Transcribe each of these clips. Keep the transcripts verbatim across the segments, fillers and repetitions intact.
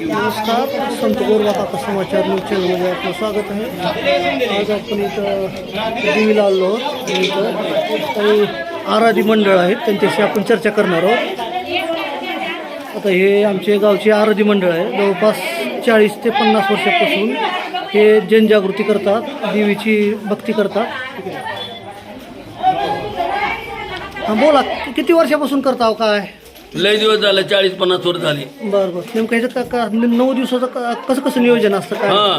नमस्कार, संत गोरवाकाका समाचार न्यूज चॅनलमध्ये आपलं स्वागत आहे. आज आपण इथं देवीला आलो आहोत. इथं काही आराधी मंडळ आहेत, त्यांच्याशी आपण चर्चा करणार आहोत. आता हे आमचे गावचे आराधी मंडळ आहे. जवळपास चाळीस ते पन्नास वर्षापासून हे जनजागृती करतात, देवीची भक्ती करतात. हां बोला, किती वर्षापासून करता हो काय? लय दिवस झालं, चाळीस पन्नास वर्ष झाली. बरं बरं. नेमकं ह्याचं का का नऊ दिवसाचं का कसं कसं नियोजन असतं काय? हा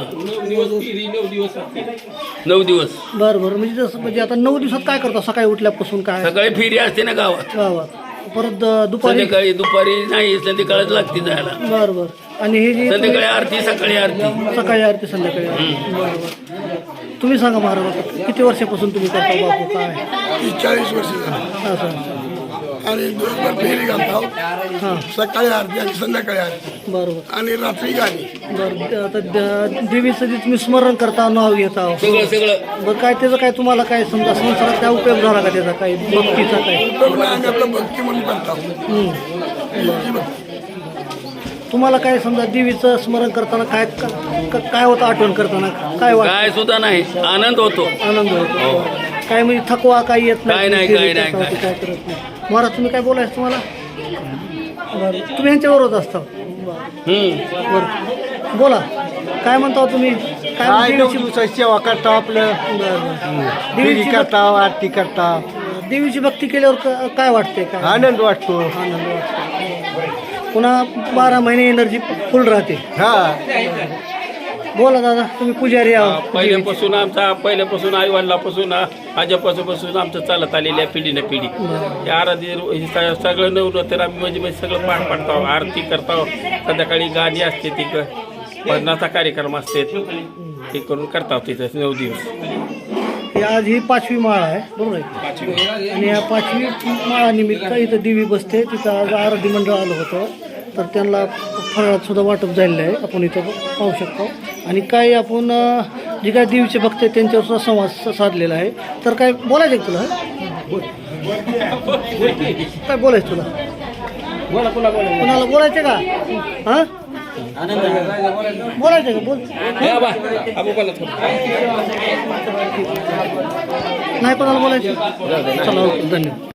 नऊ दिवस. बरं बरं. म्हणजे जसं म्हणजे आता नऊ दिवसात काय करता? सकाळी उठल्यापासून काय सकाळी फेरी असते ना गावात, गावात, परत अं, दुपारी. संध्याकाळी दुपारी नाही, संध्याकाळच लागते जायला. बरं बरं. आणि हे जे संध्याकाळी आरती, सकाळी आरती. सकाळी आरती, संध्याकाळी आरती. बरं बरं. तुम्ही सांगा महाराज, आता किती वर्षापासून तुम्ही करता बापू काय? चाळीस वर्ष झाली असं असं. आणि दिवसभर फेरी घालतो. हां सकाळी आरती आणि संध्याकाळी आरती बरोबर. आणि रात्री गाणी. बरं. आता द- देवीचं जे तुम्ही स्मरण करता, नाव घेता, सगळं सगळं बरं काय त्याचा काय तुम्हाला काय समजा संसारात काय उपयोग झाला का त्याचा, काही भक्तीचा काय? आपलं भक्ती म्हणून करतो. हम्म. तुम्हाला काय समजा देवीचं स्मरण करताना काय का- काय होतं, आठवण करताना काय वाटतं? काय सुद्धा नाही, आनंद होतो. आनंद होतो. काय म्हणजे थकवा काही येत काय नाही, देवी काय नाही, करतावरती काय. काय करत नाही. महाराज तुम्ही काय बोलायचं तुम्हाला? बरं. तुम्ही यांच्याबरोबर असता? हम्म बरं बोला, काय म्हणता तुम्ही? काय काय नऊ देवीची दिवसाची सेवा करता, आपलं बरं, बरं. फेरी देवीची करता, आरती करता, भक्ती- देवीची भक्ती केल्यावर क- काय वाटते? काय आनंद वाटतो. आनंद वाटतो. पुन्हा बारा महिने एनर्जी फुल राहते. हा बोला दादा, तुम्ही पुजारी आहोत. पहिल्यापासून आमचा पहिल्यापासून आई वडिलापासून आजोपासून आमचं चालत आलेलं आहे पिढी ना पिढी. या आराधी हे स- सगळं नवलं तर आम्ही म्हणजे म्हणजे सगळं पाठ पाडतो, आरती करतो, संध्याकाळी गाणी असते, ती भजनाचा कार्यक्रम असते, ते करून करता तिथं नऊ दिवस. ही आज ही पाचवी माळ आहे, बरोबर आहे? आणि या पाचवी माळानिमित्त इथं देवी बसते. तिथं आज आराधी मंडळ आलं होतं, तर त्यांना फळात सुद्धा वाटप झालेलं आहे, आपण इथं पाहू शकतो. आणि काही आपण अं, जे काय देवीचे भक्त आहेत त्यांच्यावर सुद्धा संवाद स- साधलेला आहे. तर काय बोलायचं आहे तुला? काय बोलायचं तुला? कोणाला बोलायचं का? हां बोलायचं का? बोल. नाही कोणाला बोलायचं? चला, ओके, धन्यवाद.